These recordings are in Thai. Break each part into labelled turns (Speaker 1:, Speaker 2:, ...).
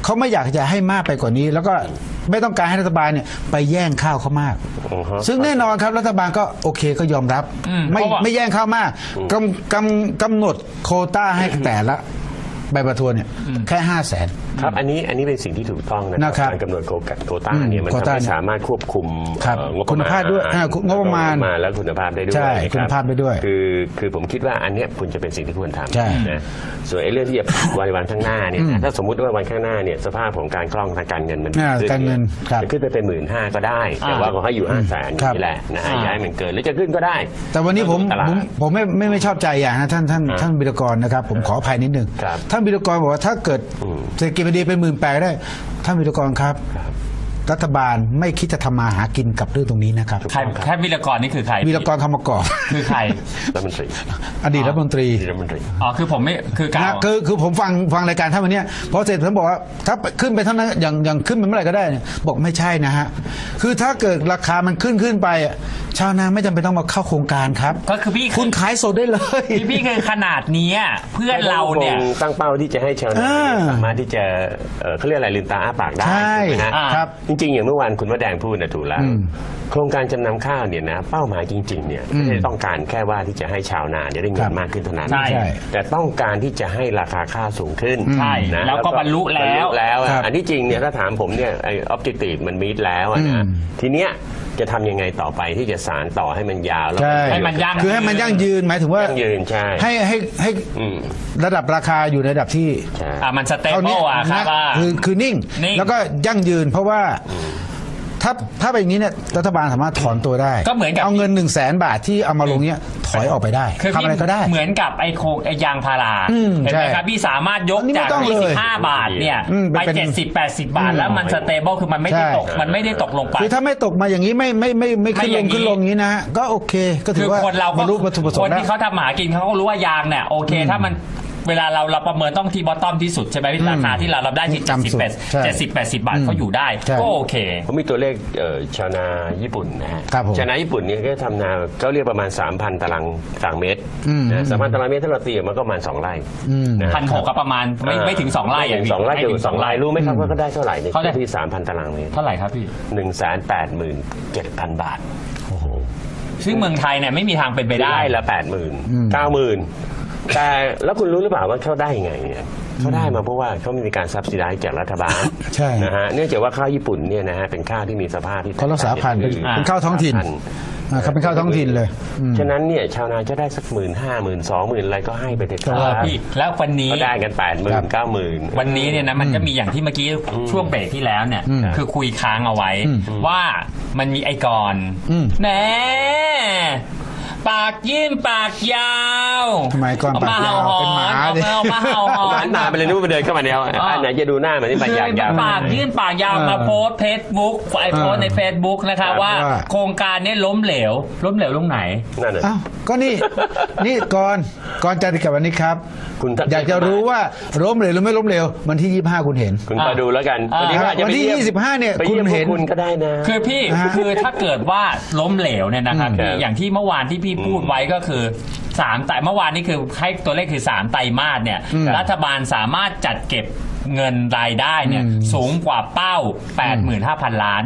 Speaker 1: เขาไม่อยากจะให้มากไปกว่านี้ แล้วก็ไม่ต้องการให้รัฐบาลเนี่ยไปแย่งข้าวเขามาก ซึ่งแน่นอนครับรัฐบาลก็โอเคก็ยอมรับไม่แย่งข้าวมากกำหนดโควต้าให้แต่ละใบประทวนเนี่ยแค่500,000
Speaker 2: ครับอันนี้เป็นสิ่งที่ถูกต้องนะครับการกำหนดโควต้าเนี่ยมันไม่สามารถควบคุมงบประมาณ
Speaker 1: คุณภาพด้วยงบประมาณ
Speaker 2: แล้วคุณภาพได้ด้วย
Speaker 1: ใช่คุณภาพได้ด้วย
Speaker 2: คือผมคิดว่าอันนี้คุณจะเป็นสิ่งที่ควรทำนะส่วนไอ้เรื่องที่จะวันข้างหน้าเนี่ยถ้าสมมุติว่าวันข้างหน้าเนี่ยสภาพของการคล่องทางการเงินมันจะขึ้นไปเป็น15,000ก็ได้แต่ว่าขอให้อยู่500,000นี่แหละนะฮะย้ายมันเกินหรือจะขึ้นก็ได้
Speaker 1: แต่วันนี้ผมไม่ชอบใจอย่างนะท่านบิรกรนะครับผมขออภัยนิดนึงท่านบิรกรบอกว่าถ้าเกิดเศรษฐกิจมันดีเป็น18,000ได้ท่านวิรกรครับรัฐบาลไม่คิดจะทำมาหากินกับเรื่องตรงนี้นะครับ
Speaker 3: ใครแค่วิรกรนี่คือใคร
Speaker 1: วิรกรคำมะกอก
Speaker 3: คือใคร
Speaker 2: รัฐมนตรี
Speaker 1: อดีตรัฐมนตรี
Speaker 3: อ๋อคือผมไม่คือการ
Speaker 1: คือผมฟังรายการท่านวันนี้พอเสร็จผมบอกว่าถ้าขึ้นไปเท่านั้นอย่างขึ้นไปเมื่อไหร่ก็ได้บอกไม่ใช่นะฮะคือถ้าเกิดราคามันขึ้นไปชาวนาไม่จำเป็นต้องมาเข้าโครงการครับ
Speaker 3: ก็คือพี่
Speaker 1: คุณขายสดได้เลย
Speaker 3: พี่คือขนาดนี้เพื่อนเราเนี่ย
Speaker 2: ตั้งเป้าที่จะให้ชาวนาสามารถที่จะเขาเรียกอะไรลืมตาอ้าปากได้ใช่
Speaker 1: ครับ
Speaker 2: จริงๆอย่างเมื่อวานคุณว่าแดงพูดนะถูกแล้วโครงการจำนำข้าวเนี่ยนะเป้าหมายจริงๆเนี่ยไม่ได้ต้องการแค่ว่าที่จะให้ชาวนาได้เงินมากขึ้นเท่านั้นแต่ต้องการที่จะให้ราคาข้าวสูงขึ้น
Speaker 3: ใช่แล้วก็บรรลุแล้ว
Speaker 2: อันที่จริงเนี่ยถ้าถามผมเนี่ยไอ้ objective มันมีแล้วนะทีเนี้ยจะทำยังไงต่อไปที่จะสานต่อให้มันยาวแล้ว
Speaker 3: ให้มันยั่ง
Speaker 1: คือให้มันยั่งยืนหมายถึงว่า
Speaker 2: ยั่งยืนใช่
Speaker 1: ให้ระดับราคาอยู่ในระดับที่
Speaker 3: มันสเตเบิลครับ
Speaker 1: คือนิ่งแล้วก็ยั่งยืนเพราะว่าถ้าเป็นอย่างนี้เนี่ยรัฐบาลสามารถถอนตัวได้
Speaker 3: ก็เหมือนกับ
Speaker 1: เอาเงิน100,000 บาทที่เอามาลงเนี้ยถอยออกไปได้ทำอะไรก็ได้
Speaker 3: เหมือนกับไอ้ยางพาราเห็นไหมครับพี่สามารถยกจาก25 บาทเนี่ยไป70-80 บาทแล้วมันสเตเบิลคือมันไม่ได้ตกลงไป
Speaker 1: คือถ้าไม่ตกมาอย่างนี้ไม่ขึ้นลงนี้นะก็โอเคก็ถือว่าบรรลุวัตถุประสงค์
Speaker 3: คนที่เขาทำหากินเขาก็รู้ว่ายางเนี่ยโอเคถ้ามันเวลาเราประเมินต้องที่บอทตอมที่สุดใช่ไหมราคาที่เราได้ที่70-80 บาทเขาอยู่ได้ก็โอเค
Speaker 2: ผมมีตัวเลขชาวนาญี่ปุ่นนะฮะชาวนาญี่ปุ่นเนี่ยก็ทำนาเขาเรียกประมาณ 3,000 ตารางเมตร 3,000 ตารางเมตรถ้าเราตีมันก็ประมาณ2 ไร่
Speaker 3: 1,600ก็ประมาณไม่ถึง2 ไร่
Speaker 2: อย่าง2 ไร่เดียว2 ไร่รู้ไหมครับว่าเขาได้เท่าไหร่ในที่ 3,000 ตารางเมตร
Speaker 3: เท่าไหร่ครับพี่
Speaker 2: 187,000 บาท
Speaker 3: ซึ่งเมืองไทยเนี่ยไม่มีทางเป็นไปได้
Speaker 2: ละ 80,000 90,000แต่แล้วคุณรู้หรือเปล่าว่าเขาได้ยังไงเนี่ยเขาได้มาเพราะว่าเขามีการซับซิไดซ์จากรัฐบาล
Speaker 1: ใช่
Speaker 2: นะฮะเนื่องจากว่าข้าวญี่ปุ่นเนี่ยนะฮะเป็นข้าวที่มีสภาพที่
Speaker 1: เขารักษาพันธุ์เป็นข้าวท้องถิ่นเขาเป็นข้าวท้องถิ่นเลย
Speaker 2: ฉะนั้นเนี่ยชาวนาจะได้สัก15,000 20,000อะไรก็ให้ไปเถอะครับ
Speaker 3: พี่แล้ววันนี้
Speaker 2: ก็ได้กัน80,000 90,000
Speaker 3: วันนี้เนี่ยนะมันก็มีอย่างที่เมื่อกี้ช่วงเบรกที่แล้วเนี่ยคือคุยค้างเอาไว้ว่ามันมีไอกรแหมปากยื่นปากยาว
Speaker 1: ทำไมก่อนปากยาวเป็นหมาดิ
Speaker 3: มาเห่าหอน
Speaker 2: หมาไปเลยนึกว่าเดินเข้ามาเนี่ยอันไหนจะดูหน้ามันนี่ปากยาว
Speaker 3: ปากยื่นปากยาวมาโพสเฟซบุ๊กโพสในเฟซบุ๊กนะคะว่าโครงการนี้ล้มเหลวตรงไหน
Speaker 2: นั่นแหละ
Speaker 1: ก็นี่ก่อนจะติดกับวันนี้ครับอยากจะรู้ว่าล้มเหลวหรือไม่ล้มเหลววันที่25คุณเห็น
Speaker 2: คุณไปดูแล้วกัน
Speaker 1: วันที่25เนี่ยคุณเห็น
Speaker 2: คุณก็ได้นะ
Speaker 3: คือพี่คือถ้าเกิดว่าล้มเหลวเนี่ยนะครับอย่างที่เมื่อวานที่พี่พูดไว้ก็คือ3 ไตรเมื่อวานนี้คือให้ตัวเลขคือ3 ไตรมาสเนี่ยรัฐบาลสามารถจัดเก็บเงินรายได้เนี่ยสูงกว่าเป้า 85,000 ล้าน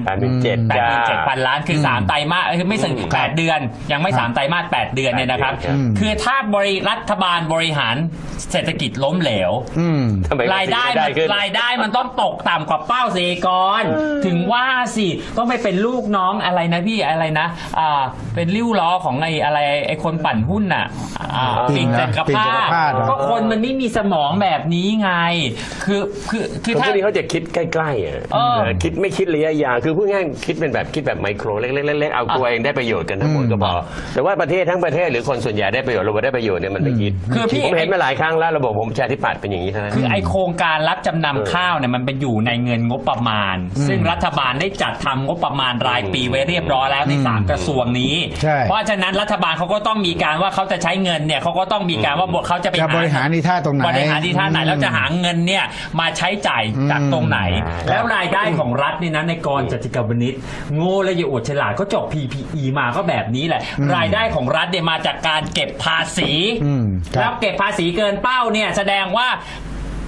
Speaker 3: 87,000 ล้านคือ3 ไตรมาสคือไม่ถึง8 เดือนยังไม่3 ไตรมาส8 เดือนเนี่ยนะครับคือถ้ารัฐบาลบริหารเศรษฐกิจล้มเหลวรายได้มันต้องตกต่ำกว่าเป้าสิก่อนถึงว่าสิต้องไปเป็นลูกน้องอะไรนะพี่อะไรนะเป็นริ้วล้อของไอ้คนปั่นหุ้นน่ะปิ่นจักรพรรดิก็คนมันไม่มีสมองแบบนี้ไงคือ
Speaker 2: ถ้าเขาจะคิดใกล้ๆคิดไม่คิดระยะยาวคือพูดง่ายคิดเป็นแบบคิดแบบไมโครเล็กๆเอาตัวเองได้ประโยชน์กันทั้งหมดก็พอแต่ว่าประเทศทั้งประเทศหรือคนส่วนใหญ่ได้ประโยชน์เราได้ประโยชน์เนี่ยมันไม่คิดผมเห็นมาหลายครั้งแล้วระบบผมประชาธิปัตย์เป็นอย่างนี้ทั้งนั้น
Speaker 3: คือไอโครงการรับจำนำข้าวเนี่ยมันเป็นอยู่ในเงินงบประมาณซึ่งรัฐบาลได้จัดทำงบประมาณรายปีไว้เรียบร้อยแล้วใน3 กระทรวงนี้เพราะฉะนั้นรัฐบาลเขาก็ต้องมีการว่าเขาจะใช้เงินเนี่ยเขาก็ต้องมีการว่าเขาจะไป
Speaker 1: บริหารในท่าตรงไหน
Speaker 3: แล้วจะหาเงินเนี่ยมาใช้จ่ายจากตรงไหนแล้วรายได้ของรัฐนี่นะในกรจติกาวนิชโง่และอย่าอวดฉลาดก็จบ PPE มาก็แบบนี้แหละรายได้ของรัฐเนี่ยมาจากการเก็บภาษีแล้วเก็บภาษีเกินเป้าเนี่ยแสดงว่า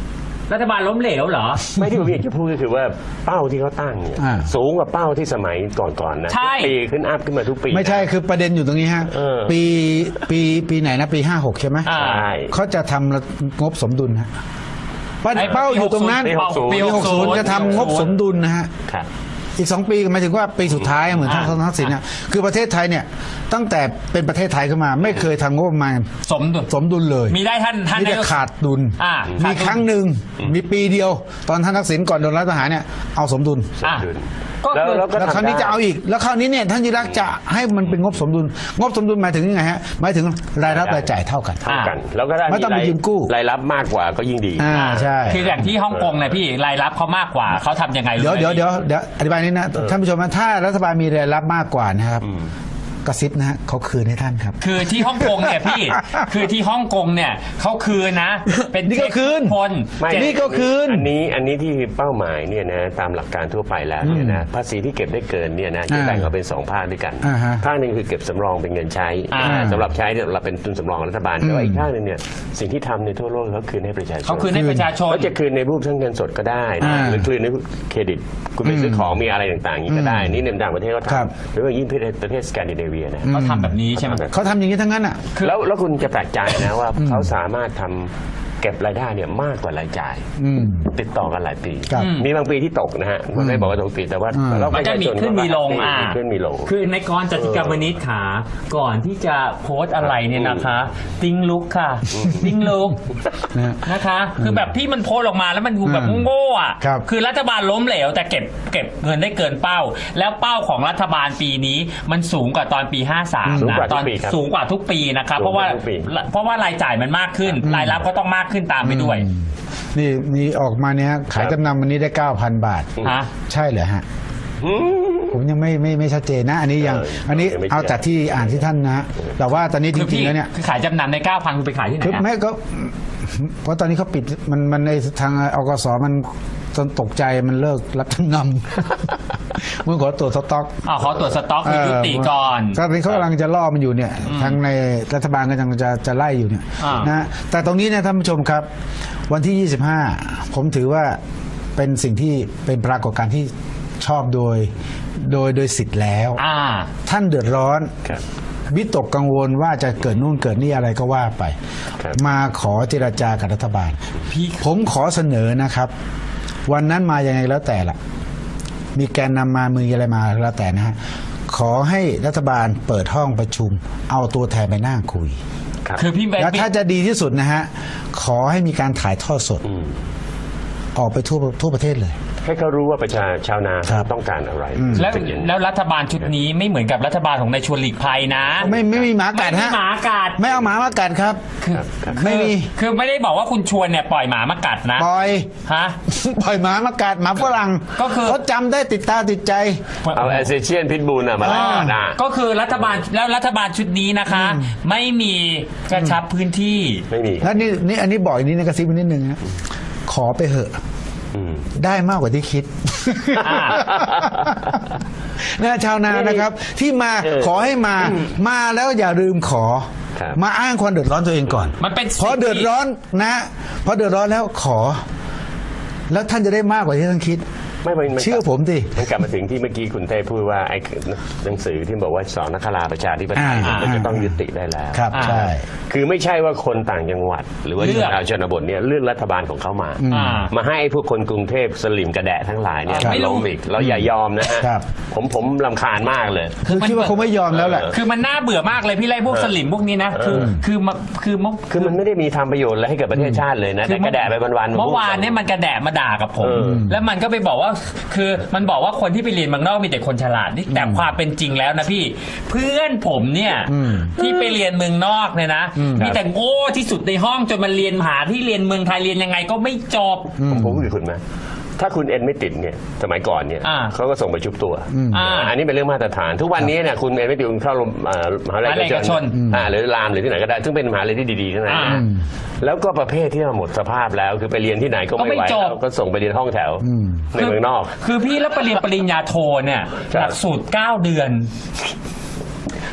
Speaker 3: รัฐบาลล้มเหลวเหรอ
Speaker 2: ไม่ที่ผมอยากจะพูดก็คือว่าเป้าที่เขาตั้งเนี่ยสูงกว่าเป้าที่สมัยก่อนๆนะ
Speaker 3: ใช่
Speaker 2: ปีขึ้นอัพขึ้นมาทุกปี
Speaker 1: ไม่ใช่คือประเด็นอยู่ตรงนี้ฮะปีไหนนะปี56ใช่ไหม
Speaker 3: อ่า
Speaker 2: ใช่
Speaker 1: เขาจะทำงบสมดุลฮะเป้าอยู่ตรงนั้น
Speaker 2: ปี
Speaker 1: ปี60จะทำงบสมดุลนะฮะ
Speaker 2: ครับ
Speaker 1: อีก2 ปีหมายถึงว่าปีสุดท้ายเหมือนท่านทักษิณนะคือประเทศไทยเนี่ยตั้งแต่เป็นประเทศไทยขึ้นมาไม่เคยทำงบประมาณ
Speaker 3: สมดุล
Speaker 1: สมดุลเลย
Speaker 3: มีได้ท่าน
Speaker 1: มีแต่ขาดดุล
Speaker 3: อ่า
Speaker 1: มี
Speaker 3: ขาดดุล
Speaker 1: ครั้งหนึ่งมีปีเดียว ตอนท่านทักษิณก่อนโดนรัฐประหารเนี่ยเอาสมดุล
Speaker 3: อ่ะ
Speaker 2: ดุล
Speaker 3: ก็คือ
Speaker 2: แล้วก็
Speaker 1: แล้วคราวนี้จะเอาอีกแล้วคราวนี้เนี่ยท่านยิ่งรักษณ์จะให้มันเป็นงบสมดุลงบสมดุลหมายถึงยังไงฮะหมายถึงรายรับรายจ่ายเท่ากัน
Speaker 2: เท่ากัน แล้วก็ได้
Speaker 1: ไม่ต้องไปยืมกู้
Speaker 2: รายรับมากกว่าก็ยิ่งดี
Speaker 1: ใช่
Speaker 3: คืออย่างที่ฮ่องกงเนี่ยพี่รายรับเขามากกว่าเขาทำยังไงรู้ไหม
Speaker 1: เดี๋ยวอธิบายนี้นะท่านผู้ชมนะถ้ารัฐบาลมีรายรับมากกว่านะครับกระซิบนะฮะเขาคืนให้ท่านครับ
Speaker 3: คือที่ฮ่องกงเนี่ยพี่ คือที่ฮ่องกงเนี่ยเขาคืนนะ เป็น
Speaker 1: นี่ก็คืน
Speaker 3: คน
Speaker 2: ไม่
Speaker 1: นี่ก็คืน
Speaker 2: อันนี้ที่เป้าหมายเนี่ยนะตามหลักการทั่วไปแล้วเนี่ยนะภาษีที่เก็บได้เกินเนี่ยนะจะแบ่งออกเป็น2 ภาคด้วยกัน
Speaker 1: อ่าฮะ
Speaker 2: ภาคหนึ่งคือเก็บสำรองเป็นเงินใช้สำหรับใช้เนี่ยเราเป็นทุนสำรองของรัฐบาลแต่ว่าอีกภาคหนึ่งเนี่ยสิ่งที่ทำในทั่วโลกเขาคืนให้ประชาชน
Speaker 3: เขาคืนให้ประชาชน
Speaker 2: เขาจะคืนในรูปทั้งเงินสดก็ได้นะหรือคืนในเครดิตคุณไปซื้อของมีอะไรต่างๆอย่างนี้ก็ได้นี่ในต่างประเทศเขา
Speaker 1: ครับ
Speaker 2: ทำหรือว่ายิ่งประเทศสแกนดิเนเวียนะ
Speaker 3: เขาทำแบบนี้ใช่ไหม
Speaker 1: เขาทำอย่างนี้ทั้งนั้นอ่ะ
Speaker 2: แล้วคุณจะแปลกใจนะว่าเขาสามารถทำเก็บรายได้เนี่ยมากกว่ารายจ่าย ติดต่อกันหลายปี
Speaker 1: ครับ
Speaker 2: มีบางปีที่ตกนะฮะมันไม่บอกว่าตกปีแต่ว่าเรา
Speaker 3: มันจะมีขึ้นมีลง
Speaker 2: มีขึ้นมีลง
Speaker 3: คือในกรจติกาวนิชขาก่อนที่จะโพสต์อะไรเนี่ยนะคะ ติ้งลุกค่ะ ติ้งลุก
Speaker 1: นะ
Speaker 3: นะคะ คือแบบที่มันโพสต์ออกมาแล้วมันดูแบบโง่อ่ะ
Speaker 1: ครับ
Speaker 3: คือรัฐบาลล้มเหลวแต่เก็บเงินได้เกินเป้า แล้วเป้าของรัฐบาลปีนี้มันสูงกว่าตอนปี 53 นะตอนสูงกว่าทุกปีนะครับเพราะว่ารายจ่ายมันมากขึ้น รายรับก็ต้องมากขึ้นตามไปด้วย
Speaker 1: นี่ออกมาเนี่ยขายจำนำวันนี้ได้ 9,000 บาท
Speaker 3: ฮะ
Speaker 1: ใช่เหรอฮะ ผมยังไม่ชัดเจนนะ อันนี้ยังอันนี้เอาจากที่อ่านที่ท่านนะแต่ว่าตอนนี้จริงๆแล้วเนี่ย
Speaker 3: คือขายจำนำใน 9,000คุณไปขายที่ไหน
Speaker 1: คือ
Speaker 3: อะ
Speaker 1: แม่ก็เพราะตอนนี้เขาปิดมันในทางอกสมันจนตกใจมันเลิกรับจำนำมึงขอตรวจสต็อก
Speaker 3: ขอตรวจสต็อกคือยุติก่อน
Speaker 1: ตอนนี้เขากำลังจะล่อมันอยู่เนี่ยทางในรัฐบาลก็ยังจะไล่อยู่เนี่ย
Speaker 3: อ่าน
Speaker 1: นะแต่ตรงนี้เนี่ยท่านผู้ชมครับ วันที่ 25 ผมถือว่าเป็นสิ่งที่เป็นปรากฏการณ์ที่ชอบโดยสิทธิ์แล้ว ท่านเดือดร้อน
Speaker 2: ครับ
Speaker 1: วิตกกังวลว่าจะเกิดนู่นเกิดนี่อะไรก็ว่าไป
Speaker 2: ครับ
Speaker 1: มาขอเจรจากับรัฐบาล
Speaker 3: พี่
Speaker 1: ผมขอเสนอนะครับ วันนั้นมายังไงแล้วแต่ละมีแกนนำมามืออะไรมาแล้วแต่นะฮะขอให้รัฐบาลเปิดห้องประชุม เอาตัวแทนไปนั่งคุย
Speaker 2: ครับ
Speaker 3: คือพี่
Speaker 1: แล้วถ้าจะดีที่สุดนะฮะขอให้มีการถ่ายทอดสด ออกไปทั่วประเทศเลย
Speaker 2: ให้เขารู้ว่าชาวนา
Speaker 1: ครับ
Speaker 2: ต้องการอะไร
Speaker 3: แล้วรัฐบาลชุดนี้ไม่เหมือนกับรัฐบาลของนายชวนหลีกภัยนะ
Speaker 1: ไม่มีหมากัด
Speaker 3: ไม่
Speaker 1: ฮะ
Speaker 3: มีหมากัด
Speaker 1: ไม่เอาหมามากัดครับ ไม่มี
Speaker 3: คือไม่ได้บอกว่าคุณชวนเนี่ยปล่อยหมามากัดนะ
Speaker 1: ปล่อย
Speaker 3: ฮะ
Speaker 1: ปล่อยหมามากัดหมาฝรั่ง
Speaker 3: ก็คือ
Speaker 1: เขาจำได้ติดตาติดใจ
Speaker 2: เอาแอสเซเชียนพิทบูลมาไล่กัดหน้า
Speaker 3: ก็คือรัฐบาลชุดนี้นะคะ ไม่มีกระชับพื้นที่
Speaker 2: ไม่มี
Speaker 1: แล้วนี่อันนี้บอกอีกนิดนึงกระซิบนิดนึงนะขอไปเหอะได้มากกว่าที่คิด
Speaker 3: อ่า
Speaker 1: นะชาวนานะครับ ที่มาขอให้มาแล้วอย่าลืมขอ
Speaker 2: ครับ
Speaker 1: มาอ้างความเดือดร้อนตัวเองก่อน
Speaker 3: มันเป็น
Speaker 1: พอเดือดร้อนนะพอเดือดร้อนแล้วขอ แล้วท่านจะได้มากกว่าที่ท่านคิด เชื่อผมดิ
Speaker 2: มันกลับมาถึงที่เมื่อกี้คุณเต้พูดว่าไอ้หนังสือที่บอกว่าสอนนักราประชาธิปไตยมันจะต้องยุติได้แล้ว
Speaker 1: ครับใช่
Speaker 2: คือไม่ใช่ว่าคนต่างจังหวัด หรือว่า
Speaker 3: เลือก
Speaker 2: ชาวชนบทเนี่ยเลือกรัฐบาลของเขามา มาให้ไอ้พวกคนกรุงเทพสลิมกระแดะทั้งหลายเนี่ย
Speaker 1: ครับ
Speaker 2: มาล้มอีกเราอย่ายอมนะฮะ
Speaker 1: ครับ
Speaker 2: ผมรำคาญมากเลย
Speaker 1: คือคิดว่าคงไม่ยอมแล้วแหละ
Speaker 3: คือมันน่าเบื่อมากเลยพี่ไล่พวกสลิมพวกนี้นะคือ
Speaker 2: มันไม่ได้มีทำประโยชน์อะไรให้กับประเทศชาติเลยนะแต่กระแดะไปวันๆ
Speaker 3: เมื่อวานเนี่ยมันกระแดะมาด่ากับผม แล้วมันก็ไปบอกว่าคือมันบอกว่าคนที่ไปเรียนเมืองนอกมีแต่คนฉลาดนี่แต่ความเป็นจริงแล้วนะพี่เพื่อนผมเนี่ยที่ไปเรียนเมืองนอกเนี่ยนะมีแต่โง่ที่สุดในห้องจนมันเรียนมหาที่เรียนเมืองไทยเรียนยังไงก็ไม่จบ
Speaker 2: ผมพูดกับคุณไหมถ้าคุณเอ็นไม่ติดเนี่ยสมัยก่อนเนี่ยเขาก็ส่งไปชุบตัวอันนี้เป็นเรื่องมาตรฐาน ทุกวันนี้เนี่ยคุณเอ็นไม่ติดคุณเข้ามหาวิทยาลัยเอกชนหรือรามหรือที่ไหนก็ได้ซึ่งเป็นมหาวิทยาลัยที่ดีๆทั้งนั้นนะแล้วก็ประเภทที่หมดสภาพแล้วคือไปเรียนที่ไหนก็ไม่ไหวแล้วก็ส่งไปเรียนห้องแถวในเมืองนอก
Speaker 3: คือพี่แล้วไปเรียนปริญญาโทเนี่ยหลักสูตร9 เดือน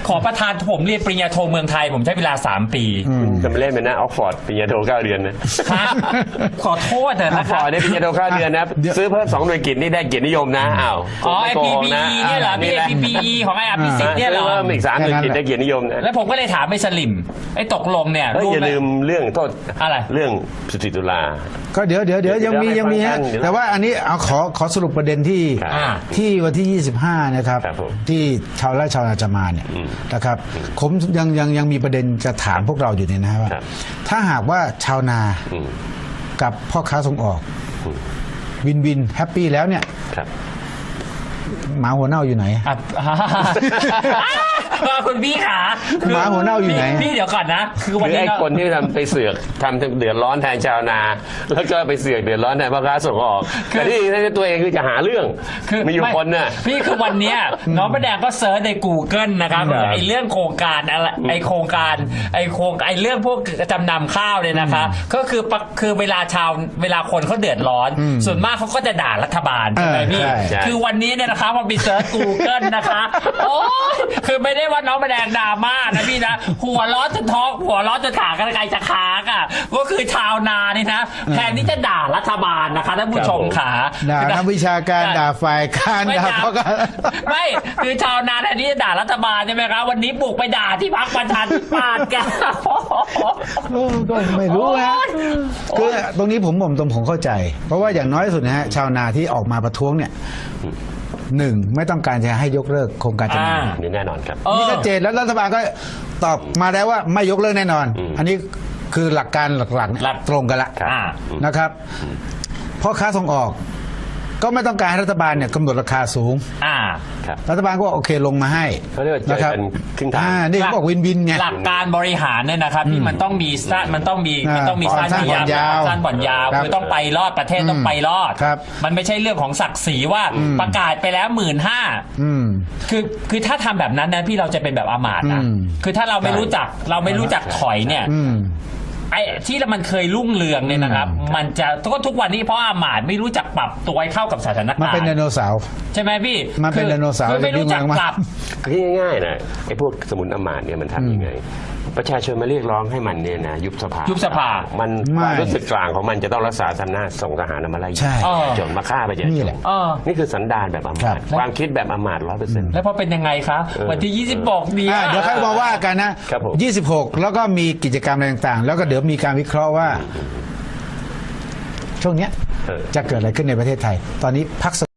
Speaker 3: ขอประทานผมเรียนปริญญาโทเมืองไทยผมใช้เวลา3 ปี
Speaker 2: จะมาเล่นเป็นนะออกฟอร์ดปริญญาโท9 เดือนนะ
Speaker 3: ครับขอโทษเถอะ
Speaker 2: ออ
Speaker 3: นะ
Speaker 2: ก
Speaker 3: ค
Speaker 2: ฟอ
Speaker 3: รับ
Speaker 2: ร์ดได้ปริญญาโท9 เดือนนะซื้อเพิ่ม2 หน่วยกิตนี่ได้เกียรตินิยมนะอ้าว
Speaker 3: อ๋อ
Speaker 2: ไม่โกง
Speaker 3: PPE เนี่ยเหรอพี่ PPE ของไอ้อภิสิทธิ์เนี่ยเหรอ
Speaker 2: เพิ่มอีก3 หน่วยกิตได้เกียรตินิยมนะ
Speaker 3: แล้วผมก็เลยถามไอ้สลิมไอ้ตกลงเนี่ย
Speaker 2: เฮ้ยอย่าลืมเรื่องโทษ
Speaker 3: อะไร
Speaker 2: เรื่อง14 ตุลา
Speaker 1: ก็เดี๋ยวยังมีฮะ
Speaker 2: เดี๋ยว
Speaker 1: แต่ว่าอันนี้เอาขอสรุปประเด็นที่
Speaker 2: ครับ
Speaker 1: ที่วันที่ 25 นะครับ
Speaker 2: ครับผม
Speaker 1: ที่ชาวไร่ชาวนาจะมาเนี่ยนะครับผมยังมีประเด็นจะถามพวกเราอยู่เนี่ยนะว่า
Speaker 2: ครับ
Speaker 1: ถ้าหากว่าชาวนา
Speaker 2: อืม
Speaker 1: กับพ่อค้าส่งออก วินแฮปปี้แล้วเนี่ย
Speaker 2: ครับ
Speaker 1: หมาหัวเน่าอยู่ไหน
Speaker 3: อ่ะ คุณพี่ขา
Speaker 1: หมาหัวเน่าอยู่ไหน
Speaker 3: พี่เดี๋ยวก่อนนะ คือวัน
Speaker 2: คือ
Speaker 3: นี้
Speaker 2: ไอ้คนที่ทำไปเสือกทำเดือดร้อนแทนชาวนา แล้วก็ไปเสือกเดือดร้อนแทนพ่อค้าส่งออกแต่ที่ตัวเองคือจะหาเรื่องมีอยู่คนน่ะ
Speaker 3: พี่คือวันเนี้ยน้องประแดงก็เซิร์ชใน Google นะครับ
Speaker 2: ครับ
Speaker 3: ไอ้เรื่องโครงการอะไรไอ้โครงการไอ้เรื่องพวกจำนำข้าวเนี่ยนะคะก็คือเวลาคนเขาเดือดร้อน ส่วนมากเขาก็จะด่ารัฐบาลใช่ไหมพี่
Speaker 1: ใช่
Speaker 3: คือวันนี้เนี่ยนะคะพอไปเซิร์ช Google นะคะโอ้ยคือไม่ได้ว่าน้องประแดงดราม่านะพี่นะหัวร้อนจนท้องหัวร้อนจนขากันไกลจะค้างอ่ะก็คือชาวนานี่นะแทนที่จะด่ารัฐบาลนะคะท่านผู้ชมขา
Speaker 1: ด่านักวิชาการด่าฝ่ายการ
Speaker 3: ไม่
Speaker 1: ด่า
Speaker 3: ด่า
Speaker 1: พ่อค้า
Speaker 3: ไม่คือชาวนาแทนที่จะด่ารัฐบาลใช่ไหมครับวันนี้บุกไปด่าที่พรรคประชาธิปัตย์กัน
Speaker 1: ก็ไม่รู้นะคือตรงนี้ผมเข้าใจ เพราะว่าอย่างน้อยที่สุดนะฮะชาวนาที่ออกมาประท้วงเนี่ยหนึ่งไม่ต้องการจะให้ยกเลิกโครงการจำนำ
Speaker 2: นี่แน่นอนครับ
Speaker 1: นี่ชัดเจนแล้วรัฐบาลก็ตอบมาแล้วว่าไม่ยกเลิกแน่นอน อันนี้คือหลักการหลักๆเนี่ย
Speaker 3: หลัก
Speaker 1: ตรงกันละ
Speaker 2: ครับ
Speaker 1: นะครับพ่อค้าส่งออก ก็ไม่ต้องการให้รัฐบาลเนี่ยกำหนดราคาสูง
Speaker 2: ครับ
Speaker 1: รัฐบาลก็โอเคลงมาให้
Speaker 2: เขาเรียกว่าเจอกันครึ่งทาง
Speaker 1: นี่เขาบอกวินไง
Speaker 3: หลักการบริหารเนี่ยนะครับที่มันต้องมีสั้นสั้น
Speaker 1: สั้น
Speaker 3: มี
Speaker 1: ผ่อนยาว
Speaker 3: สั้นผ่อนยาว
Speaker 1: ครับ
Speaker 3: คือต้องไปรอดประเทศต้องไปรอด
Speaker 1: ครับ
Speaker 3: มันไม่ใช่เรื่องของศักดิ์ศรีว่าประกาศไปแล้ว 15,000
Speaker 1: อืม
Speaker 3: คือถ้าทำแบบนั้นนะพี่เราจะเป็นแบบอามาตย์นะ
Speaker 1: อืม
Speaker 3: คือถ้าเราไม่รู้จักถอยเนี่ย
Speaker 1: อืม
Speaker 3: ไอ้ที่มันเคยรุ่งเรืองเนี่ยนะครับ มันจะก็ทุกวันนี้เพราะอามาตย์ไม่รู้จักปรับตัวให้เข้ากับสถานการณ์
Speaker 1: มันเป็นไดโนเสาร์
Speaker 3: ใช่ไหมพี่
Speaker 1: มันเป็นไดโนเสาร์
Speaker 3: คือไม่รู้จักปรับ
Speaker 2: คือง่ายๆนะไอ้พวกสมุนอำมาตย์เนี่ยมันทำยังไง ประชาชนมาเรียกร้องให้มันเนี่ยนะยุบสภา
Speaker 3: ยุบสภา
Speaker 2: มัน
Speaker 1: ไม่
Speaker 2: ความรู้สึกกลางของมันจะต้องรักษาอำนาจส่งทหารมาไล่
Speaker 1: ใช่
Speaker 2: จนมาฆ่าประชาช
Speaker 1: นี่
Speaker 2: น
Speaker 1: แหละ
Speaker 2: นี่คือสันดานแบบอำ
Speaker 1: ครั
Speaker 2: มา
Speaker 1: บ
Speaker 2: ตย์ความคิดแบบอำมาตย์100%
Speaker 3: แล้วพอเป็นยังไงคะวันที่ 26 นี้
Speaker 1: เดี๋ยวค่อยมาว่ากันนะครับ
Speaker 2: ผม
Speaker 1: 26 แล้วก็มีกิจกรรมอะไรต่างๆ แล้วก็เดี๋ยวมีการวิเคราะห์ว่า ช่วงเนี้ยจะเกิดอะไรขึ้นในประเทศไทย ตอนนี้พัก